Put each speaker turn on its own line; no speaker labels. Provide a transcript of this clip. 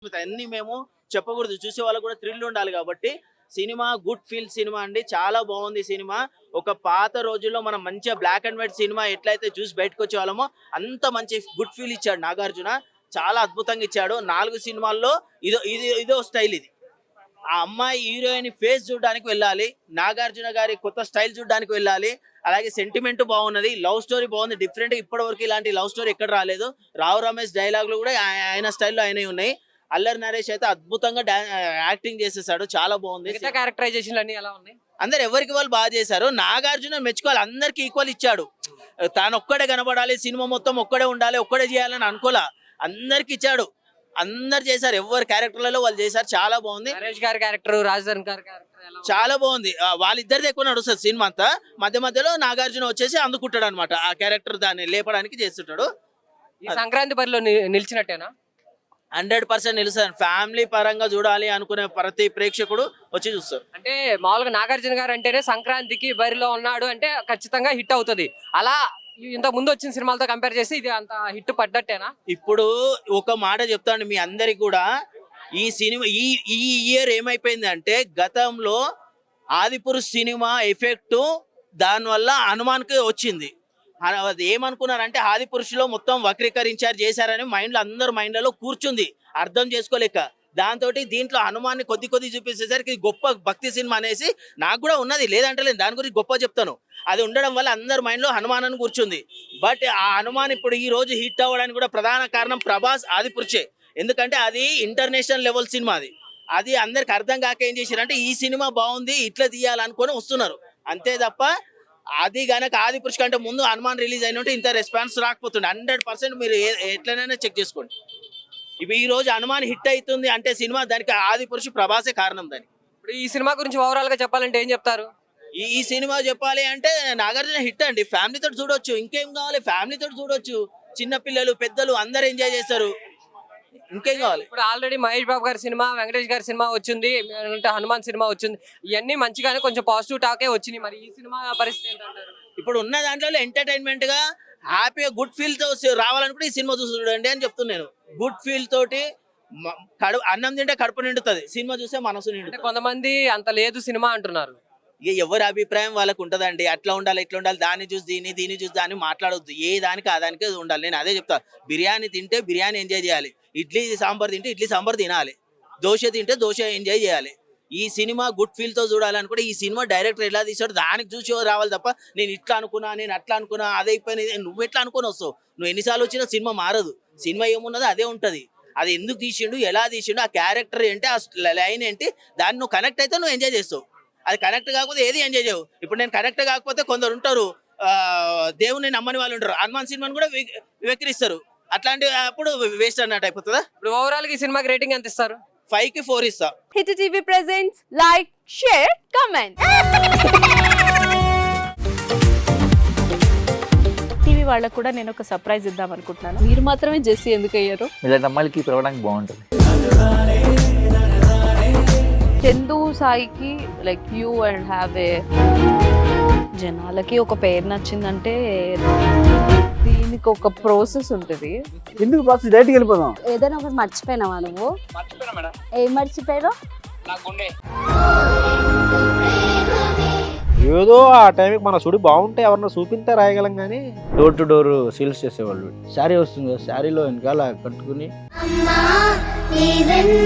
అన్ని మేము చెప్పకూడదు, చూసే వాళ్ళకు కూడా థ్రిల్ ఉండాలి కాబట్టి సినిమా గుడ్ ఫీల్ సినిమా అండి. చాలా బాగుంది సినిమా. ఒక పాత రోజుల్లో మనం మంచిగా బ్లాక్ అండ్ వైట్ సినిమా ఎట్లయితే చూసి బయటకు వచ్చే వాళ్ళమో అంత మంచి గుడ్ ఫీల్ ఇచ్చాడు నాగార్జున. చాలా అద్భుతంగా ఇచ్చాడు. 4 సినిమాల్లో ఇదో స్టైల్ ఇది. ఆ అమ్మాయి హీరోయిన్ ఫేస్ చూడడానికి వెళ్ళాలి, నాగార్జున గారి కొత్త స్టైల్ చూడడానికి వెళ్ళాలి. అలాగే సెంటిమెంట్ బాగున్నది, లవ్ స్టోరీ బాగుంది. డిఫరెంట్ ఇప్పటి వరకు ఇలాంటి లవ్ స్టోరీ ఎక్కడ రాలేదు. రావు రమేష్ డైలాగులు కూడా ఆయన స్టైల్లో ఆయనే ఉన్నాయి. అల్లరి నరేష్ అయితే అద్భుతంగా యాక్టింగ్ చేసేసాడు, చాలా బాగుంది.
క్యారెక్టరైజేషన్ అన్ని ఎలా ఉన్నాయి?
అందరు ఎవరికి వాళ్ళు బాగా చేశారు. నాగార్జున మెచ్చుకోవాలి, అందరికి ఈక్వల్ ఇచ్చాడు. తాను ఒక్కడే కనబడాలి, సినిమా మొత్తం ఒక్కడే ఉండాలి, ఒక్కడే చేయాలని అనుకోలే, అందరికి ఇచ్చాడు. అందరు చేశారు, ఎవరి క్యారెక్టర్లలో వాళ్ళు చేశారు. చాలా బాగుంది.
నరేష్ గారి క్యారెక్టర్, రాజధాని గారి క్యారెక్టర్
చాలా బాగుంది. వాళ్ళిద్దరిది ఎక్కువ నడుస్తుంది సినిమా అంతా. మధ్యలో నాగార్జున వచ్చేసి అందుకుంటాడు అనమాట, ఆ క్యారెక్టర్ దాన్ని లేపడానికి చేస్తుంటాడు.
ఈ సంక్రాంతి బరిలో నిలిచినట్టేనా?
100% నిలుస్తాను. ఫ్యామిలీ పరంగా చూడాలి అనుకునే ప్రతి ప్రేక్షకుడు వచ్చి చూస్తారు.
అంటే మామూలుగా నాగార్జున గారు అంటేనే సంక్రాంతికి బరిలో ఉన్నాడు అంటే ఖచ్చితంగా హిట్ అవుతుంది. అలా ఇంత ముందు వచ్చిన సినిమాలతో కంపేర్ చేసి ఇది అంత హిట్ పడ్డట్టేనా?
ఇప్పుడు ఒక మాట చెప్తాను మీ అందరికి కూడా, ఈ సినిమా ఈ ఇయర్ ఏమైపోయింది అంటే, గతంలో ఆదిపురుష్ సినిమా ఎఫెక్ట్ దానివల్ల హనుమాన్కి వచ్చింది. అది ఏమనుకున్నారంటే ఆదిపురుషులో మొత్తం వక్రీకరించారు చేశారని అందరు మైండ్లలో కూర్చుంది, అర్థం చేసుకోలేక. దాంతో దీంట్లో హనుమాన్ని కొద్ది చూపించేసరికి గొప్ప భక్తి సినిమా అనేసి నాకు కూడా ఉన్నది, లేదంటే లేదు, దాని గురించి గొప్ప చెప్తాను. అది ఉండడం వల్ల అందరు మైండ్లో హనుమాన్ అని కూర్చుంది. బట్ ఆ హనుమాన్ ఇప్పుడు ఈ రోజు హిట్ అవ్వడానికి కూడా ప్రధాన కారణం ప్రభాస్ ఆదిపురుషే. ఎందుకంటే అది ఇంటర్నేషనల్ లెవెల్ సినిమా. అది అందరికి అర్థం కాక ఏం చేశారంటే ఈ సినిమా బాగుంది ఇట్లా తీయాలనుకొని వస్తున్నారు అంతే తప్ప, అది గనక ఆదిపురుష్ కంటే ముందు హనుమాన్ రిలీజ్ అయినట్టు ఇంత రెస్పాన్స్ రాకపోతుండే. 100% మీరు ఎట్లనైనా చెక్ చేసుకోండి. ఇప్పుడు ఈ రోజు హనుమాన్ హిట్ అవుతుంది అంటే సినిమా, దానికి ఆదిపురుష్ ప్రభాసే కారణం. దానికి
ఇప్పుడు ఈ సినిమా గురించి ఓవరాల్ గా చెప్పాలంటే ఏం చెప్తారు?
ఈ సినిమా చెప్పాలి అంటే నాగార్జున హిట్ అండి. ఫ్యామిలీతో చూడొచ్చు, ఇంకేం కావాలి, ఫ్యామిలీతో చూడొచ్చు. చిన్న పిల్లలు పెద్దలు అందరు ఎంజాయ్ చేస్తారు, ఇంకేం కావాలి.
ఇప్పుడు ఆల్రెడీ మహేష్ బాబు గారి సినిమా, వెంకటేష్ గారి సినిమా వచ్చింది, హనుమాన్ సినిమా వచ్చింది. ఇవన్నీ మంచిగానే కొంచెం పాజిటివ్ టాకే వచ్చినాయి. మరి ఈ సినిమా పరిస్థితి ఏంటంటారు?
ఇప్పుడు ఉన్న దాంట్లో ఎంటర్టైన్మెంట్ గా హ్యాపీగా గుడ్ ఫీల్ తో రావాలనుకుంటే ఈ సినిమా చూసి చూడండి అని చెప్తున్నాను. గుడ్ ఫీల్ తోటి అన్నం తింటే కడుపు నిండుతుంది, సినిమా చూస్తే మనసు నిండుతుంది.
కొంతమంది అంత లేదు సినిమా అంటున్నారు.
ఇక ఎవరి అభిప్రాయం వాళ్ళకు ఉంటదండి. అట్లా ఉండాలి ఇట్లా ఉండాలి, దాన్ని చూసి దీన్ని చూసి దాన్ని మాట్లాడొద్దు. ఏ దానికి ఆ దానికి ఉండాలి. నేను అదే చెప్తా, బిర్యానీ తింటే బిర్యానీ ఎంజాయ్ చేయాలి, ఇడ్లీ సాంబార్ తింటే ఇడ్లీ సాంబార్ తినాలి, దోశ తింటే దోశ ఎంజాయ్ చేయాలి. ఈ సినిమా గుడ్ ఫీల్ తో చూడాలనుకుంటే ఈ సినిమా డైరెక్టర్ ఎలా తీసాడు దానికి చూసి రావాలి తప్ప, నేను ఇట్లా అనుకున్నా నేను అట్లా అనుకున్నా అదే అయిపోయినది నువ్వు ఎట్లా అనుకుని వస్తావు. నువ్వు ఎన్నిసార్లు వచ్చినా సినిమా మారదు. సినిమా ఏమున్నదో అదే ఉంటది. అది ఎందుకు తీసిండు, ఎలా తీసిండు, ఆ క్యారెక్టర్ ఏంటి, ఆ లైన్ ఏంటి, దాన్ని నువ్వు కనెక్ట్ అయితే నువ్వు ఎంజాయ్ చేస్తావు. అది కనెక్ట్ కాకపోతే ఏది ఎంజాయ్ చేయవు. ఇప్పుడు నేను కనెక్ట్ కాకపోతే కొందరు ఉంటారు, దేవుని నమ్మని వాళ్ళు ఉంటారు, హనుమాన్ సినిమాని కూడా వెక్కిరిస్తారు. అట్లాంటి అప్పుడు వేస్ట్ అన్నట్టు అయిపోతుందా.
ఇప్పుడు ఓవరాల్ గా ఈ సినిమాకి రేటింగ్ ఎంత ఇస్తారు?
5కి 4 ఇస్తా.
Hit TV presents like, share, comment. TV వాళ్ళకు కూడా నేను ఒక సర్ప్రైజ్ ఇద్దాం అనుకుంటున్నాను. మీరు మాత్రమే జెస్సీ ఎందుకు అయ్యారు?
ఇలాంటి అమ్మాయిలకి పిలవడానికి బాగుంటుంది.
చందు సాయికి like you and have a, జనాలకి ఒక పేరు నచ్చిందంటే దీనికి ఒక ప్రాసెస్ ఉంటుంది.
ఎందుకు ప్రాసెస్ డైరెక్ట్‌గా వెళ్ళిపోదాం.
ఏదైనా ఒకటి మర్చిపోయినావా నువ్వు?
మర్చిపోయినా మేడం.
ఏం మర్చిపోయావు?
ఏదో ఆ టైంకి మన సుడి బాగుంటే ఎవరన్నా చూపిస్తే రాయగలం కానీ డోర్ టు డోర్ సేల్స్ చేసేవాళ్ళు. శారీ వస్తుంది, శారీలో వెనకాల కట్టుకుని